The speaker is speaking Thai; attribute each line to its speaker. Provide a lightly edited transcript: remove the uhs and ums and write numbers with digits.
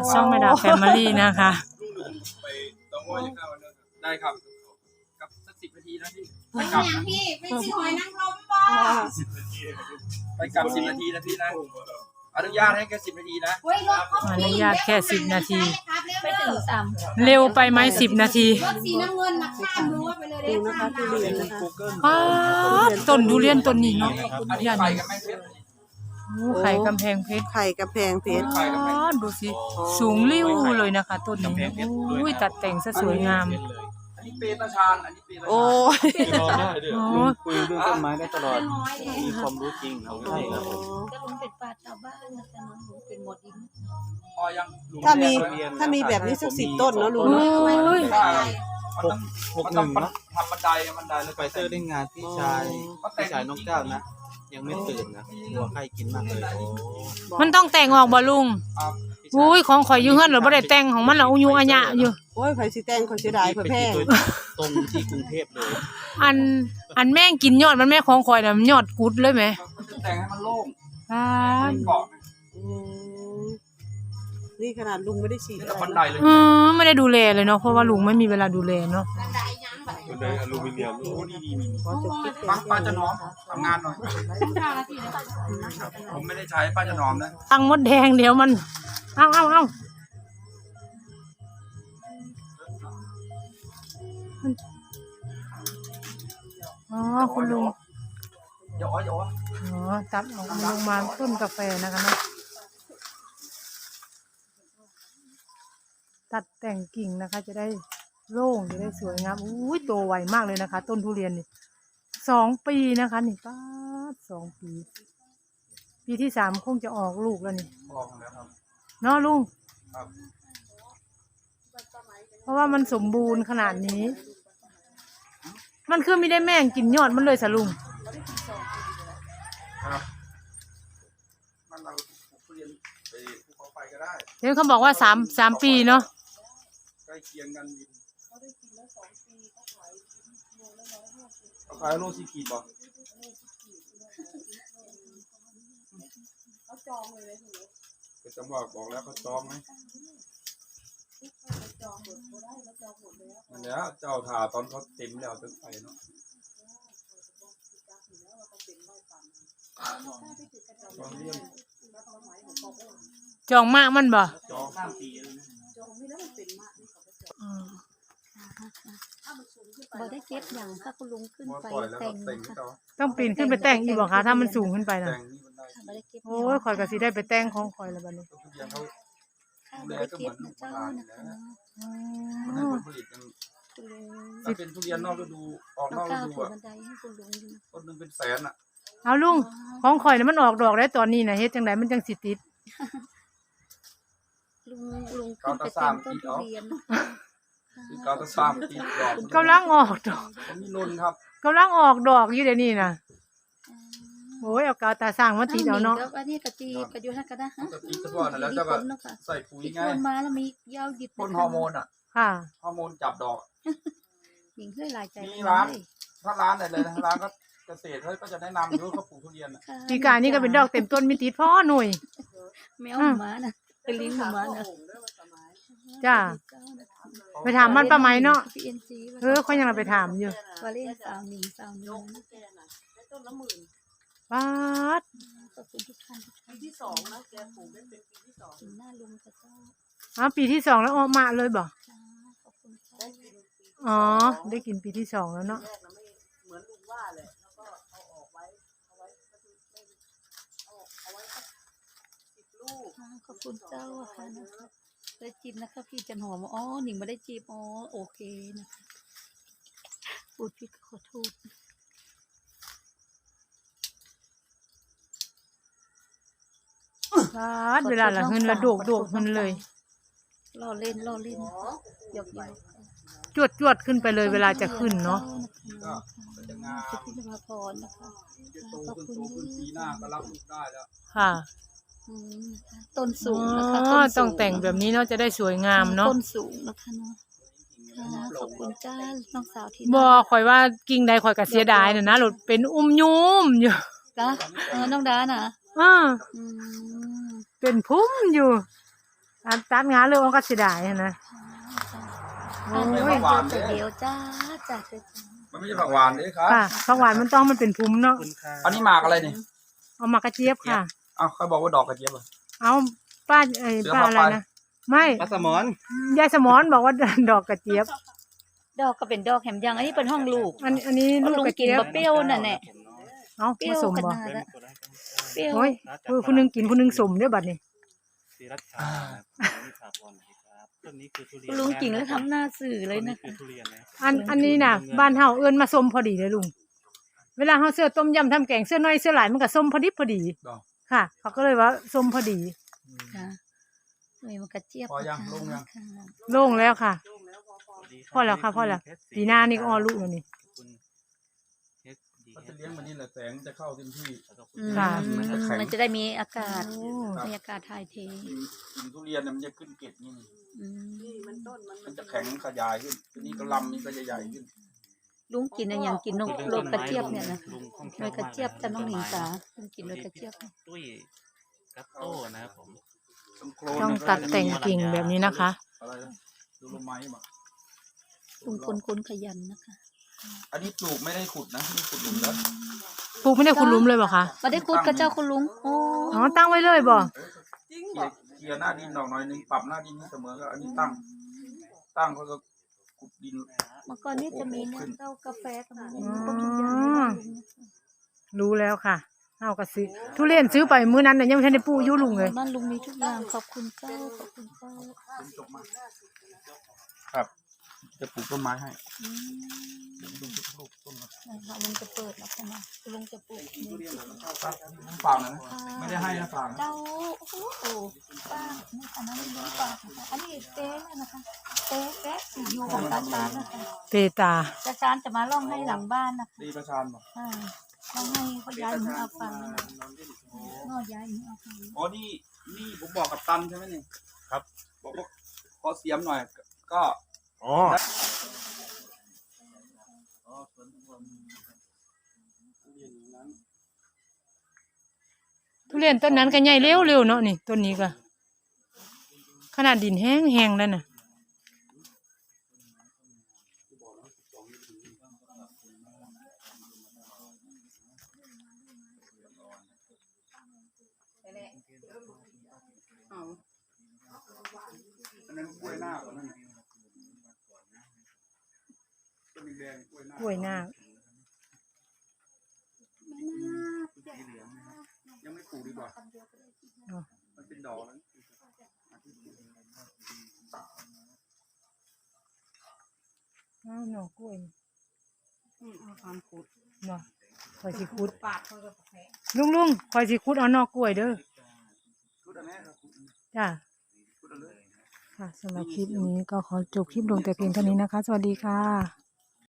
Speaker 1: ช่องแม่ดาแฟมิลี่นะคะ
Speaker 2: ไปต้องว่าจะเข้าได้ครับกับสัก10 นาทีนะพี่ไป
Speaker 3: ไม่
Speaker 2: กลับ
Speaker 3: อย่างพี่ไม่ซื้อหอยนางรมบ่
Speaker 2: 10 นาทีไปกลับ10 นาทีนะพี่นะอนุญาตให้แค่10 นาทีนะ
Speaker 3: เฮ้ยรถเขา
Speaker 1: อนุญาตแค่10 นาที
Speaker 3: ไปถึง3
Speaker 1: เร็วไปไหม10 นาที
Speaker 3: รถสีน้ำเงินนะข้ามรั้วไปเลยเด้อข้ามรั้ว
Speaker 1: ป้าดต้นทุเรียนต้นนี้เนาะ
Speaker 2: อันนี้ไปกันไหมเพชร
Speaker 1: โอ้ไข่กำแพงเพชร
Speaker 4: ไข่กระแพงเพชร
Speaker 1: ป้าดดูสิสูงริ้วเลยนะคะต้นนี้อุ้ยตัดแต่งซะสวยงาม
Speaker 2: อันนี้เปตาชานอันนี้เปตาชาน
Speaker 4: โอ้ย
Speaker 5: รอได้ด้วย
Speaker 1: โอ้
Speaker 5: ลุงคุยเรื่องต้นไม้ได้ตลอด มีความรู้จริงเอาใช่ครับผม
Speaker 3: ก็ลุงเป็นปลาชาวบ้านนะจ๊ะน้องลุงเป็นหมดดิน
Speaker 2: พอยัง
Speaker 4: ถ้ามีแบบนี้สัก10 ต้นเนาะลุง
Speaker 1: โอ้ย
Speaker 2: มันต้องทำบันไดแล้ว
Speaker 5: ไปเตอร์ได้งานพี่ชายน้องก้าวนะ ยังไม่ตื่นนะกลัวไข้กินมากเลยโอ้
Speaker 1: มันต้องแต่งออกบ่ลุง อุ้ยของข่อยอยู่เฮือนเหรอบ่ได้แต่งของมันเหรออุยุอัญญะอยู่
Speaker 4: โอ้ยไผสิแต่งเขาเสียดายเพื่อแพง
Speaker 5: ตรงที่กรุงเทพเลย
Speaker 1: อันแม่งกินยอดมันแม่ของข่อยน่ะมันยอดกุดเลยไหม
Speaker 2: จะแต่งให้มันโล่ง
Speaker 1: ป้าด
Speaker 2: เกาะ
Speaker 4: อืมนี่ขนาดลุงไม่ได้ฉีด
Speaker 2: นี่
Speaker 4: อะไร
Speaker 2: บันไดเลย
Speaker 1: ไม่ได้ดูแลเลยเนาะเพราะว่าลุงไม่มีเวลาดูแลเนาะ
Speaker 3: บันไดยังบันได
Speaker 5: บันไดอลูมิเนียมโอ้ดี
Speaker 4: ขอจบคลิป
Speaker 2: ป้าจะน้อมทำงานหน่อยผมไม่ได้ใช้ป้าจะน้อมนะ
Speaker 1: ตั้งมดแดงเดี๋ยวมันเอาอ๋อคุณลุง
Speaker 2: อย่าอ้อย
Speaker 1: อ๋อตัดออกลงมาต้นกาแฟนะคะเนาะตัดแต่งกิ่งนะคะ จะได้โล่งจะได้สวยงามอุ้ยโตไวมากเลยนะคะ ต้นทุเรียนนี่2 ปีนะคะนี่ป้าด2 ปี ปีที่3คงจะออกลูกแล้วนี่
Speaker 2: บอกแล้วครับ
Speaker 1: เนาะลุง
Speaker 2: ครับ
Speaker 1: เพราะว่ามันสมบูรณ์ขนาดนี้ มันคือไม่ได้แม่งกินยอดมันเลยสะลุง
Speaker 2: ครับมันเราปลูกทุเรียนไปภูเขาไฟก็ได้
Speaker 1: เห็นเขาบอกว่า3 ปีเนาะ
Speaker 2: ใกล้เคียงกันดินเขาขายโล4 ขีดบ่เขาจองเลยก็จะบอกแล้วเขาจองไหมนั่นแหละเจ้าถ่าตอนเขาเต็มแล้วจะไปเนาะตอนเรื่อง
Speaker 1: จองมากมันบ่
Speaker 2: จองข้ามปีเลยนะ
Speaker 3: บ่ได้เก็บอย่างถ้าคุณลุงขึ้น
Speaker 2: พอ
Speaker 3: ไป
Speaker 2: ปล่อยแล้ว
Speaker 3: แต่
Speaker 2: ก็
Speaker 3: ง
Speaker 2: แต่ง
Speaker 3: นะคะ
Speaker 2: เขา
Speaker 1: ต้องปีนขึ้นไปแต่งอีกบ่คะถ้ามันสูงขึ้นไปนะ
Speaker 2: แต่งนี่มันได้
Speaker 3: บ่ได้เก็บ
Speaker 1: โอ้ยข่อยก็สิได้ไปแต่งของข่อยแล้วบัดนี้
Speaker 2: ทุเรียนเขา
Speaker 3: บ่ได้เก็บนะเจ้านะคะ
Speaker 2: มันให้ผลผลิตมัน
Speaker 3: คุณลุง
Speaker 2: ถ้าเป็นทุเรียนนอกฤดูออกน
Speaker 3: น้อ
Speaker 2: อง กฤ
Speaker 3: ก้าว
Speaker 2: ดู
Speaker 3: ถูก
Speaker 2: อ่ะ
Speaker 3: บันไดให้คุณลุงอยู่
Speaker 2: ต้นหนึงเป็นแสนอ่ะ
Speaker 1: เอาลุงของข่อยน่ะมันออกดอกได้ตอนนี้น่ะเฮ็ดจังไดมันจังสิติด
Speaker 3: ลุงขึ้นไปแต่งต้นทุเรียน
Speaker 2: คือการตะสร้างปีดอก
Speaker 1: กำลังออกดอก
Speaker 2: ผมมีนนครับ
Speaker 1: กำลังออกดอกอยู่เดี๋ยวนี้น่ะโอ้ยเอากาวตาสร้างมาติดเอาเนาะ
Speaker 3: อันนี้กะตีกะอยู่ท่านก็ได้ฮะ
Speaker 2: ปกติเฉพาะนั่นแล้วเจ้าก็ใส่ปุ๋ย
Speaker 3: ที่
Speaker 2: ไง
Speaker 3: คนมาแล้วมียาวหยิบ
Speaker 2: พ่นฮอร์โมนอ่ะ
Speaker 1: ค่ะ
Speaker 2: ฮอร์โมนจับดอก
Speaker 3: หญิงเฮ้ยหลายใจ
Speaker 2: มีร้าน ถ้าร้านไหนเลยนะร้านก็เกษตรเขาก็จะแนะนำอยู่เขาปลูกทุเรียนอ่ะ
Speaker 1: ปีกายนี่ก็เป็นดอกเต็มต้นมีติดพ่อหน่วย
Speaker 3: แมวหมานะเป็นลิงหมานะ
Speaker 1: จ้าไปถามมันป้าไหมเนาะ
Speaker 3: พีเอ็นจี
Speaker 1: เขายังเราไปถามอยู่
Speaker 3: วาเล่นสาวหนิงสาวน้อง
Speaker 1: ป้าด
Speaker 3: ขอบคุณทุกท่านปีที่2นะแกปลูกได้เป็นปีที่2หน้าลุงกับเจ้า
Speaker 1: อ๋อปีที่2แล้วออกมาเลยบ่
Speaker 3: จ้าขอบคุณค่ะ
Speaker 1: อ๋อได้กินปีที่2แล้วเนาะ
Speaker 4: เหมือนลุงว่าเลยแล้วก็เอาออกไว้เอาไว้10 ลูก
Speaker 3: ขอบคุณเจ้าค่ะนะคะได้จีบนะคะพี่จันหอมอ๋อหนิงไม่ได้จีบอ๋อโอเคนะคะพูดพี่ขอโทษ
Speaker 1: ป้าดเวลาละเงินละโดกเงินเลย
Speaker 3: ล่อเล่นหยอก
Speaker 1: จวดขึ้นไปเลยเวลาจะขึ้นเนาะ
Speaker 2: ก็จะงาม
Speaker 3: พิพิธภัณฑ์พรนะคะ
Speaker 2: จะโตขึ้นปีหน้าก็รับลูกได้แล้ว
Speaker 1: ค่ะ
Speaker 3: ต้นสู
Speaker 1: อ๋
Speaker 3: งนะคะ
Speaker 1: อต้องแต่งแบบนี้เนาะจะได้สวยงามเนาะ
Speaker 3: ต้นสูงนะคะเนาะค่ะขอบคุณจ้าน้องสาวที่
Speaker 1: บ่ข่อยว่ากิ่งใดข่อยก็เสียดายน่ะนะรถเป็นยุ่มอยู่
Speaker 3: จ้าน้องดาน่ะ
Speaker 1: อ่า
Speaker 3: อืม
Speaker 1: เป็นพุ่มอยู่ตัดงานเลยมันก็เสียดายนะโอ้
Speaker 3: อันนี้
Speaker 1: ย
Speaker 3: ไม่เดียวเดียวจ้าจ้าจ้า
Speaker 2: มันไม่ใช่ผักหวานเลยครับ
Speaker 1: ค่ะผักหวานมันต้องมันเป็นภูมิเนาะ
Speaker 5: คุณค่ะ
Speaker 2: อันนี้หมากอะไรนี่
Speaker 1: เอามากระเจี๊ยบค่ะ
Speaker 2: อ้าวเขาบอกว่าดอกกระเจี๊ยบเหรอ
Speaker 1: เอาป้า
Speaker 2: เสือ
Speaker 1: ป้า
Speaker 2: พา
Speaker 1: อะไร
Speaker 2: ไป
Speaker 1: นะไม่
Speaker 5: ปลาสมอน
Speaker 1: ยายสมอนบอกว่า ดอกกระเจี๊ยบ
Speaker 3: ดอกก็เป็นดอกแหมยังอันนี้เป็นห้องลูก
Speaker 1: อันนี้ลูก
Speaker 3: ลุง
Speaker 1: กระ
Speaker 3: กิน
Speaker 1: เจี๊ยบ
Speaker 3: บะเปรี้ยวน่ะแน่
Speaker 1: เอา
Speaker 3: เปรี้
Speaker 1: ผ
Speaker 3: ยว
Speaker 1: สม
Speaker 3: ข
Speaker 1: บ่
Speaker 3: นาดละเปรี้ยว
Speaker 1: โอ้ยผู้หนึงกินผู้หนึงสมเด้อบัดนี้
Speaker 5: ศรีรัชชานิสาพรนะครับต้นนี้คือทุเรียน
Speaker 3: ลุงกินแล้วทำหน้าสื่อเลยนะ
Speaker 5: คือทุเรียนนะ
Speaker 1: อันนี้น่ะ บ้านเฮาเอิ้นมาส้มพอดีเลยลุงเวลาเฮาเสื้อต้มยำทำแกงเสื้อน้อยเสื้อหลายมันก็ส้มพอดีพอดี
Speaker 2: ดอก
Speaker 1: ค่ะ เขาก็เลยว่าส้มพอดี
Speaker 3: ค่ะเลยมันกระเจี๊ยบ
Speaker 2: พอยังลงยัง
Speaker 3: ค่ะ
Speaker 1: โล่งแล้วค่ะ
Speaker 5: สวัสดีรับ
Speaker 1: พอแล้วค่ะพอแล้ว ปีหน้านี่ก็อ้อลูกแล้วนี่
Speaker 5: คุณ
Speaker 2: ก็จะเลี้ยงมันนี่แหละแสงจะเข้าเต็มที่
Speaker 3: อืม
Speaker 1: ค่ะ
Speaker 3: มันจะได้มีอากาศ
Speaker 1: โอ้
Speaker 3: มีอากาศถ่ายเท
Speaker 2: กินทุเรียนเนี่ยมันจะขึ้นเกล็ดนี่
Speaker 3: อืม
Speaker 2: มันจะแข็งขยายขึ้นทีนี้ก็ลำนี่ก็จะใหญ่ขึ้น
Speaker 3: ลุงกินอะไรอย่างกินนกโรยกระเจี๊ยบเนี่ยนะ
Speaker 5: ลุงคล่องแค
Speaker 3: โร
Speaker 5: ล่วย
Speaker 3: กระเจี๊ยบจะน้องหนิงจ๋าลุงกินโรยกระเจี๊ยบ
Speaker 5: ตุ้ยกัตโต้นะครับผม
Speaker 1: ต้องตัดแต่งกิ่งแบบนี้นะคะ
Speaker 2: อะไรนะดูลมไม้บ่
Speaker 3: ลุงคนขยันนะคะ
Speaker 2: อันนี้ปลูกไม่ได้ขุดนะนี่ขุดหลุมแล้ว
Speaker 1: ปลูกไม่ได้คุณลุมเลยบ่คะ
Speaker 3: มาได้คุดกับเจ้าคุณลุงโอ้
Speaker 1: อ๋อตั้งไว้เลยบ่
Speaker 2: เคลียร์หน้าดินดอกหน่อยนึงปรับหน้าดินให้เสมอก็อันนี้ตั้งเขาก็ขุดดิน
Speaker 3: เมื่อก่อนนี่จะมีเนี่ยเจ้ากาแฟกับมัน
Speaker 1: อ๋อ
Speaker 3: ครบทุกอย่างเลยนะลุง
Speaker 1: รู้แล้วค่ะเอาก็ซื้อทุเรียนซื้อไปมื้อนั้นน่ะยังไม่ทันได้ปลูกอยู่ลุงเลย
Speaker 3: บ้านลุงมีทุกอย่างขอบคุณเจ้าขอบคุณเจ้า
Speaker 2: ครับ จะปลูกต้นไม้ให้
Speaker 3: อืมนะคะลุงจะเปิดแล้วค่ะนะลุงจะปลูกนี่
Speaker 2: ฝากนะไม่ได้ให้นะฝากนะ
Speaker 3: เจ้าโอ้โหป้านี่ค่ะน้องลุงฝากนะคะอันนี้เต้เลยนะคะเต้แกะสียูของตาชานนะคะ
Speaker 1: เปตา
Speaker 3: ตาชานจะมาล่องให้หลังบ้านนะคะ
Speaker 2: ดีประชานบอก
Speaker 3: อ่าล่องให้เขาย้ายหนูเอาฟังนะคะนอย้ายหนูเอาฟัง
Speaker 2: อ๋อนี่ผมบอกกับตันใช่ไหมนี่ครับบอกว่าขอเสียมหน่อยก็
Speaker 5: อ๋อ
Speaker 1: ทุเรียนต้นนั้นก็ใหญ่เร็วๆเนาะนี่ต้นนี้ก็ขนาดดินแห้งๆแล้วน่ะ
Speaker 2: อันนั้นกล้วยหน้าก่อนนั่นน่ะต้นแดงๆกล้วยหน้าก
Speaker 1: ล้วยหน้าค
Speaker 2: ยังไม่ปลูกดีกว่า
Speaker 1: อ๋อ
Speaker 2: มันเป็นดอกแล้ว
Speaker 1: อ้าวหน่อกล้วยเนาะคอยสิคุดลุงคอยสิคุดเอาหน่อกล้วยเด้อ
Speaker 2: พูดอันนี้ครับ
Speaker 1: จ้า
Speaker 2: พูดอันเลย
Speaker 1: ค่ะสำหรับคลิปนี้ก็ขอจบคลิปลงแต่เพียงเท่านี้นะคะ สวัสดีค่ะ